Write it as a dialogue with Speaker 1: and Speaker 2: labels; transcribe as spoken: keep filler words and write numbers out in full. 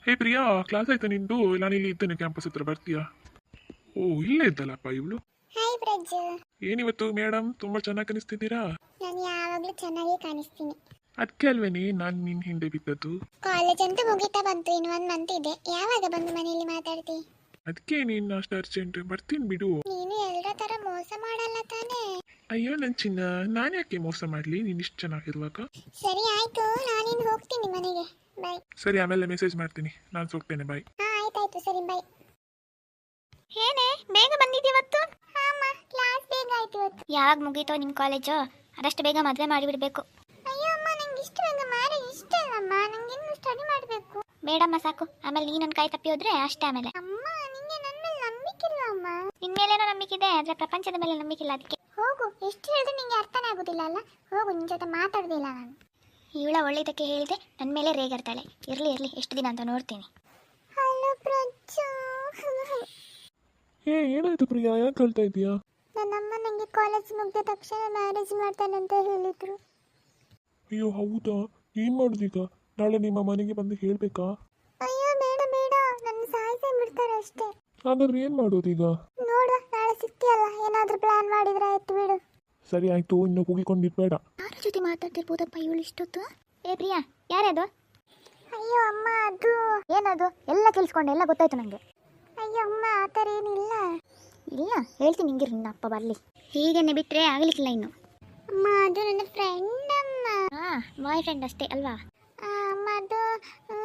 Speaker 1: ಹೇ Priya, class ಆಯ್ತಾ ನಿಂದು? ನಾನು ಇಲ್ಲಿ ಇದ್ದೇನೆ, ಕ್ಯಾಂಪಸ್ ಹತ್ರ ಬರ್ತೀಯಾ? ಓ, ಇಲ್ಲೇ ಇದ್ದಲ್ಲಪ್ಪ ಇವಳು.
Speaker 2: ಹಾಯ್ ಬ್ರಜ್.
Speaker 1: ಏನಿವತ್ತು ಮೇಡಮ್ ತುಂಬಾ ಚೆನ್ನಾಗಿ ಕಾಣಿಸ್ತಿದ್ದೀರಾ?
Speaker 2: ನಾನು ಯಾವಾಗಲೂ ಚೆನ್ನಾಗಿ ಕಾಣಿಸ್ತೀನಿ.
Speaker 1: ಅದಕ್ಕೆ ಅಲ್ವೇನೆ ನಾನು ನಿನ್ನ ಹಿಂದೆ ಬಿದ್ದದ್ದು.
Speaker 2: ಕಾಲೇಜ್ ಅಂತೂ ಮುಗಿತಾ ಬಂತು, ಇನ್ನು ಒಂದು ಮಂತ್ ಇದೆ. ಯಾವಾಗ ಬಂದು ಮನೆಯಲ್ಲಿ ಮಾತಾಡ್ತಿ?
Speaker 1: ಅದಕ್ಕೆ ನೀನು ಅಷ್ಟು ಅರ್ಜೆಂಟ್. ಬರ್ತೀನಿ ಬಿಡು.
Speaker 2: ನೀನು ಎಲ್ಲರ ತರ ಮೋಸ ಮಾಡಲ್ಲ ತಾನೇ?
Speaker 1: ಅಯ್ಯೋ ನನ್ನ ಚಿನ್ನ, ನಾನು ಯಾಕೆ ಮೋಸ ಮಾಡಲಿ ನೀನು ಇಷ್ಟು ಚೆನ್ನಾಗಿರುವಾಗ?
Speaker 2: ಸರಿ ಆಯ್ತು, ನಾನಿನ್ನು ಹೋಗ್ತೀನಿ ಮನೆಗೆ. ಬಾಯ್.
Speaker 1: ಸರಿ, ಆಮೇಲೆ ಮೆಸೇಜ್ ಮಾಡ್ತೀನಿ. ನಾನು ಹೋಗ್ತೇನೆ, ಬಾಯ್.
Speaker 2: ಹಾ ಆಯ್ತಾಯ್ತು, ಸರಿ ಬಾಯ್. ಏನೇ ಬೇಗ ಬಂದಿದ್ದೀವತ್ತು? ಹಾಮ್ಮ, ಕ್ಲಾಸ್ ಬೇಗ ಆಯ್ತು ಇವತ್ತು.
Speaker 3: ಯಾವಾಗ ಮುಗೀತೋ ನಿಮ್ಮ ಕಾಲೇಜು? ಅದಷ್ಟು ಬೇಗ ಮದುವೆ ಮಾಡಿಬಿಡ್ಬೇಕು.
Speaker 2: ಅಯ್ಯೋ ಅಮ್ಮ, ನಂಗೆ ಇಷ್ಟು ಬೇಗ ಮ್ಯಾರೇಜ್ ಇಷ್ಟ ಅಲ್ಲಮ್ಮ. ನಂಗೆ ಇನ್ನು ಸ್ಟಡಿ ಮಾಡಬೇಕು.
Speaker 3: ಬೇಡಮ್ಮ, ಸಾಕು. ಆಮೇಲೆ ನೀ ನನ್ನ ಕೈ ತಪ್ಪಿ ಹೋದ್ರೆ ಅಷ್ಟೇ. ಆಮೇಲೆ
Speaker 2: ಅಮ್ಮ, ನಿಂಗೆ ನನ್ನ ಮೇಲೆ ನಂಬಿಕೆ ಇಲ್ವಾ ಅಮ್ಮ?
Speaker 3: ನಿನ್ನ ಮೇಲೇನೋ ನಂಬಿಕೆ ಇದೆ, ಆದರೆ ಪ್ರಪಂಚದ ಮೇಲೆ ನಂಬಿಕೆ ಇಲ್ಲ. ಅದಕ್ಕೆ
Speaker 2: ಹೋಗು. ಎಷ್ಟು ಹೇಳಿದ್ರೆ ನಿಂಗೆ ಅರ್ಥನೇ ಆಗೋದಿಲ್ಲ ಅಲ್ಲ? ಹೋಗು, ನಿನ್ನ ಜೊತೆ ಮಾತಾಡೋದಿಲ್ಲ ನಾನು.
Speaker 3: ಇವಳ ಒಳ್ಳೆಯದಕ್ಕೆ ಹೇಳಿದೆ, ನನ್ನ ಮೇಲೆ ರೇಗಾಡ್ತಾಳೆ. ಇರಲಿ ಇರಲಿ, ಎಷ್ಟು ದಿನ ಅಂತ ನೋಡ್ತೀನಿ.
Speaker 2: ಹಲೋ ಪ್ರಜ್ಜು.
Speaker 1: ಏ, ಏನಾಯ್ತು ಪ್ರಿಯಾ, ಯಾಕೆ ಹೇಳ್ತಾ ಇದೀಯಾ?
Speaker 2: ನನ್ನಮ್ಮ ನನಗೆ ಕಾಲೇಜ್ ಮುಗಿದ ತಕ್ಷಣ ಮ್ಯಾರೇಜ್ ಮಾಡ್ತಾನಂತ ಹೇಳಿದ್ರು.
Speaker 1: ಅಯ್ಯೋ ಹೌದಾ? ಏನ್ ಮಾಡುದೀಗ? ನಾಳೆ ನಿಮ್ಮ ಮನೆಗೆ ಬಂದು ಹೇಳ್ಬೇಕಾ?
Speaker 2: ಅಯ್ಯೋ ಬೇಡ ಬೇಡ, ನನ್ನ ಸಾಯಿಸೇ ಬಿಡ್ತಾರೆ ಅಷ್ಟೇ.
Speaker 1: ಹಾಗಾದ್ರೆ ಏನ್ ಮಾಡೋದೀಗ?
Speaker 2: ನೋಡುವ, ನಾಳೆ ಸಿಗ್ತೀಯಲ್ಲ, ಏನಾದ್ರೂ ಪ್ಲಾನ್ ಮಾಡಿದ್ರೆ ಆಯ್ತು ಬಿಡು.
Speaker 1: ಸರಿ ಆಯ್ತು, ಇನ್ನು ಕೂಗಿಕೊಂಡಿರ್ಬೇಡ.
Speaker 3: ಯಾರ ಜೊತೆ ಮಾತಾಡ್ತಿರ್ಬೋದಪ್ಪ ಇವಳು ಇಷ್ಟೊತ್ತು? ಏ ಪ್ರಿಯಾ, ಯಾರದು?
Speaker 2: ಅಯ್ಯೋ ಅಮ್ಮ, ಅದು
Speaker 3: ಏನದು? ಎಲ್ಲ ಕೇಳಿಸ್ಕೊಂಡೆ, ಎಲ್ಲ ಗೊತ್ತಾಯ್ತು ನನಗೆ.
Speaker 2: ಅಯ್ಯೋ ಅಮ್ಮ, ಆ ಥರ ಏನಿಲ್ಲ.
Speaker 3: ಇಲ್ಲ, ಹೇಳ್ತೀನಿ ನಿಂಗಿರು, ನಿನ್ನ ಅಪ್ಪ ಬರಲಿ. ಹೀಗನ್ನೇ ಬಿಟ್ಟರೆ ಆಗಲಿಕ್ಕಿಲ್ಲ ಇನ್ನು.
Speaker 2: ಅಮ್ಮ, ಅದು ನನ್ನ ಫ್ರೆಂಡ್ ಅಮ್ಮ.
Speaker 3: ಹಾಂ, ಬಾಯ್ ಫ್ರೆಂಡ್ ಅಷ್ಟೇ ಅಲ್ವಾ?
Speaker 2: ಆ, ಅಮ್ಮ ಅದು ಆ,